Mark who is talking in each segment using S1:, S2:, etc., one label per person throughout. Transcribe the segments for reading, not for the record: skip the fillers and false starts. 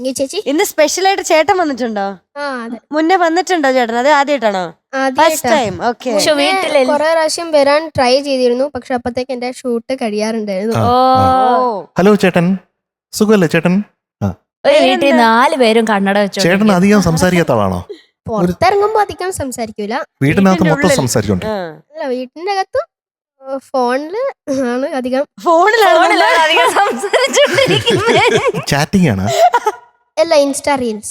S1: ചേച്ചി.
S2: ഇന്ന് സ്പെഷ്യൽ ആയിട്ട് ചേട്ടൻ വന്നിട്ടുണ്ടോ? മുന്നേ വന്നിട്ടുണ്ടോ ചേട്ടൻ? അത് ആദ്യമായിട്ടാണോ? First time. ഓക്കെ.
S1: കുറെ പ്രാവശ്യം വരാൻ ട്രൈ ചെയ്തിരുന്നു, പക്ഷെ അപ്പത്തേക്ക് എന്റെ ഷൂട്ട് കഴിയാറുണ്ടായിരുന്നു.
S3: ഹലോ ചേട്ടൻ, സുഖമല്ലേ ചേട്ടൻ?
S4: വീട്ടിൽ 4 പേരും കണ്ണട വെച്ചു.
S3: ചേട്ടൻ അധികം സംസാരിക്കാത്ത ആളാണോ?
S1: പുറത്തിറങ്ങുമ്പോ അധികം സംസാരിക്കൂല.
S3: വീട്ടിനകത്ത് മൊത്തം സംസാരിച്ചോണ്ട്?
S1: അല്ല, വീട്ടിന്റെ അകത്ത് ഫോണില് ആണ് അധികം.
S3: ചാറ്റിംഗ് ആണ്.
S1: അല്ല, ഇൻസ്റ്റാ റീൽസ്.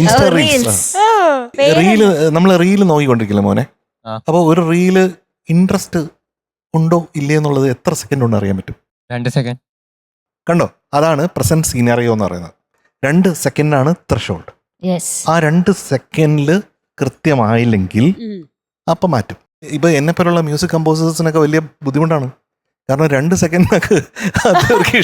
S3: റീല് നമ്മള് റീല് നോക്കിക്കൊണ്ടിരിക്കില്ല മോനെ. അപ്പൊ ഒരു റീല് ഇൻട്രസ്റ്റ് ഉണ്ടോ ഇല്ലേ എന്നുള്ളത് എത്ര സെക്കൻഡ് കൊണ്ട് അറിയാൻ പറ്റും?
S5: 2 സെക്കൻഡ്.
S3: കണ്ടോ, അതാണ് പ്രസന്റ് സീനറിയോ എന്ന് പറയുന്നത്. 2 സെക്കൻഡാണ് ത്രെഷോൾഡ്. ആ 2 സെക്കൻഡില് കൃത്യമായില്ലെങ്കിൽ അപ്പം മാറ്റും. ഇപ്പൊ എന്നെ പോലുള്ള മ്യൂസിക് കമ്പോസേഴ്സിനൊക്കെ വലിയ ബുദ്ധിമുട്ടാണ്. കാരണം 2 സെക്കൻഡിനൊക്കെ അവർക്ക്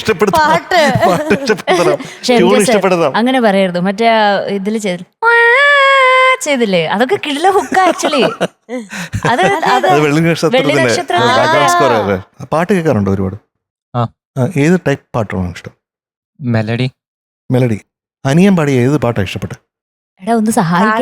S3: ഇഷ്ടപ്പെടുത്താം.
S4: അങ്ങനെ പറയരുത്. മറ്റേ ഇതില് ചെയ്തില്ലേ, അതൊക്കെ കിടില ഹുക്ക് ആക്ച്വലി.
S3: വെള്ളി നക്ഷത്രത്തിന്റെ പാട്ട് കേൾക്കാറുണ്ടോ ഒരുപാട്? ഏത് ടൈപ്പ് പാട്ടാണ് ഇഷ്ടം? മെലഡി. അനിയൻ പാടിയ ഏത് പാട്ടാണ് ഇഷ്ടപ്പെട്ടെ?
S4: ഒന്ന്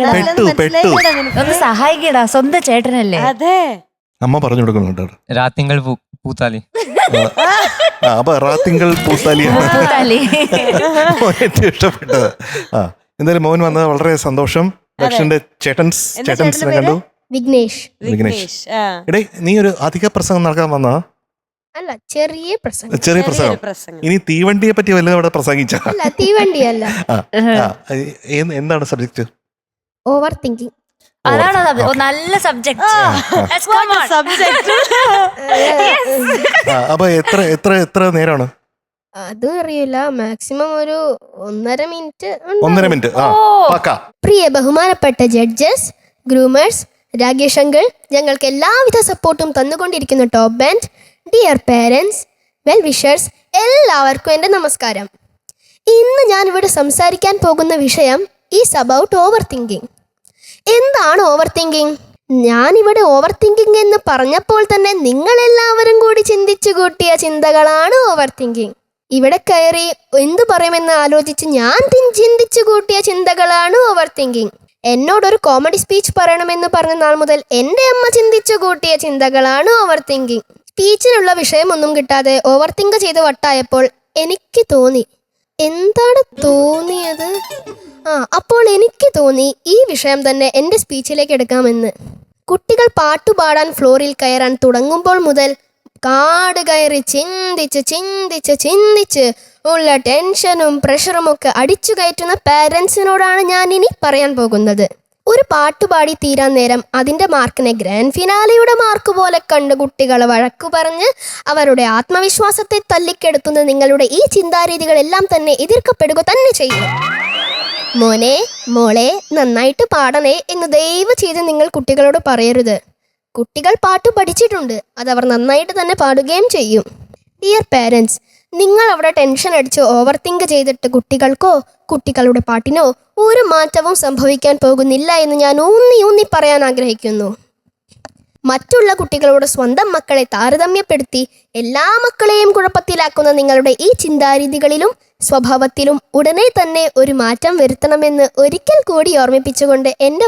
S4: സഹായിക്കടാ, സ്വന്തം ചേട്ടനല്ലേ.
S2: അതെ,
S3: അമ്മ പറഞ്ഞു കൊടുക്കുന്നുണ്ട്.
S5: രാത്തിങ്കൾ പൂത്താലി.
S3: അപ്പൊ റാത്തിങ്കൾ പൂത്താലിയാണ് ഏറ്റവും ഇഷ്ടപ്പെട്ടത്. എന്തായാലും മോൻ വന്നത് വളരെ സന്തോഷം. ദക്ഷന്റെ ചേട്ടൻസിനെ കണ്ടു.
S1: വിഘ്നേഷ്.
S3: എടേ, നീ ഒരു അധിക പ്രസംഗം നടക്കാൻ വന്നാ?
S1: അല്ല, ചെറിയ പ്രസംഗം.
S3: ഇനി തീവണ്ടിയെ പറ്റി വല്ലതും അവിടെ പ്രസംഗിച്ച?
S1: തീവണ്ടിയല്ല.
S3: എന്താണ് സബ്ജക്ട്?
S1: Over thinking.
S4: അതാണോ നല്ല സബ്ജക്ട്?
S3: അപ്പൊ എത്ര നേരമാണ്?
S1: അതും അറിയില്ല. മാക്സിമം ഒരു 1.5 മിനിറ്റ്.
S3: 1.5 മിനിറ്റ്.
S1: പ്രിയ ബഹുമാനപ്പെട്ട ജഡ്ജസ്, ഗ്രൂമേഴ്സ്, രാകേഷ് അങ്കിൾ, ഞങ്ങൾക്ക് എല്ലാവിധ സപ്പോർട്ടും തന്നുകൊണ്ടിരിക്കുന്ന top band, dear parents, well wishers, എല്ലാവർക്കും എൻ്റെ നമസ്കാരം. ഇന്ന് ഞാനിവിടെ സംസാരിക്കാൻ പോകുന്ന വിഷയം ഈസ് അബൌട്ട് ഓവർ തിങ്കിങ്. എന്താണ് ഓവർ തിങ്കിങ്? ഞാനിവിടെ ഓവർ തിങ്കിങ് എന്ന് പറഞ്ഞപ്പോൾ തന്നെ നിങ്ങളെല്ലാവരും കൂടി ചിന്തിച്ചു കൂട്ടിയ ചിന്തകളാണ് ഓവർ തിങ്കിങ്. ഇവിടെ കയറി എന്തു പറയുമെന്ന് ആലോചിച്ച് ഞാൻ ചിന്തിച്ചു കൂട്ടിയ ചിന്തകളാണ് ഓവർ തിങ്കിങ്. എന്നോടൊരു കോമഡി സ്പീച്ച് പറയണമെന്ന് പറഞ്ഞ നാൾ മുതൽ എൻ്റെ അമ്മ ചിന്തിച്ചു കൂട്ടിയ ചിന്തകളാണ് ഓവർ തിങ്കിങ്. സ്പീച്ചിനുള്ള വിഷയമൊന്നും കിട്ടാതെ ഓവർ തിങ്ക് ചെയ്ത് വട്ടായപ്പോൾ എനിക്ക് തോന്നി. എന്താണ് തോന്നിയത്? അപ്പോൾ എനിക്ക് തോന്നി ഈ വിഷയം തന്നെ എൻ്റെ സ്പീച്ചിലേക്ക് എടുക്കാമെന്ന്. കുട്ടികൾ പാട്ടുപാടാൻ ഫ്ലോറിൽ കയറാൻ തുടങ്ങുമ്പോൾ മുതൽ കാട് കയറി ചിന്തിച്ച് ഉള്ള ടെൻഷനും പ്രഷറുമൊക്കെ അടിച്ചു കയറ്റുന്ന പാരൻസിനോടാണ് ഞാൻ ഇനി പറയാൻ പോകുന്നത്. ഒരു പാട്ടുപാടി തീരാൻ നേരം അതിൻ്റെ മാർക്കിനെ ഗ്രാൻഡ് ഫിനാലയുടെ മാർക്ക് പോലെ കണ്ട് കുട്ടികളെ വഴക്കു പറഞ്ഞ് അവരുടെ ആത്മവിശ്വാസത്തെ തല്ലിക്കെടുത്തുന്ന നിങ്ങളുടെ ഈ ചിന്താരീതികളെല്ലാം തന്നെ എതിർക്കപ്പെടുക തന്നെ ചെയ്യും. മോനെ, മോളെ, നന്നായിട്ട് പാടണേ എന്ന് ദയവ് ചെയ്ത് നിങ്ങൾ കുട്ടികളോട് പറയരുത്. കുട്ടികൾ പാട്ട് പഠിച്ചിട്ടുണ്ട്, അതവർ നന്നായിട്ട് തന്നെ പാടുകയും ചെയ്യും. ഡിയർ പേരൻസ്, നിങ്ങൾ അവിടെ ടെൻഷൻ അടിച്ച് ഓവർ തിങ്ക് ചെയ്തിട്ട് കുട്ടികൾക്കോ കുട്ടികളുടെ പാട്ടിനോ ഒരു മാറ്റവും സംഭവിക്കാൻ പോകുന്നില്ല എന്ന് ഞാൻ ഊന്നി പറയാൻ ആഗ്രഹിക്കുന്നു. മറ്റുള്ള കുട്ടികളോട് സ്വന്തം മക്കളെ താരതമ്യപ്പെടുത്തി എല്ലാ മക്കളെയും കുഴപ്പത്തിലാക്കുന്ന നിങ്ങളുടെ ഈ ചിന്താരീതികളിലും സ്വഭാവത്തിലും ഉടനെ തന്നെ ഒരു മാറ്റം വരുത്തണമെന്ന് ഒരിക്കൽ കൂടി ഓർമ്മിപ്പിച്ചുകൊണ്ട് എൻ്റെ വാക്കുകൾ ഞാൻ ഉപസംഹരിക്കുന്നു. നന്ദി, നമസ്കാരം.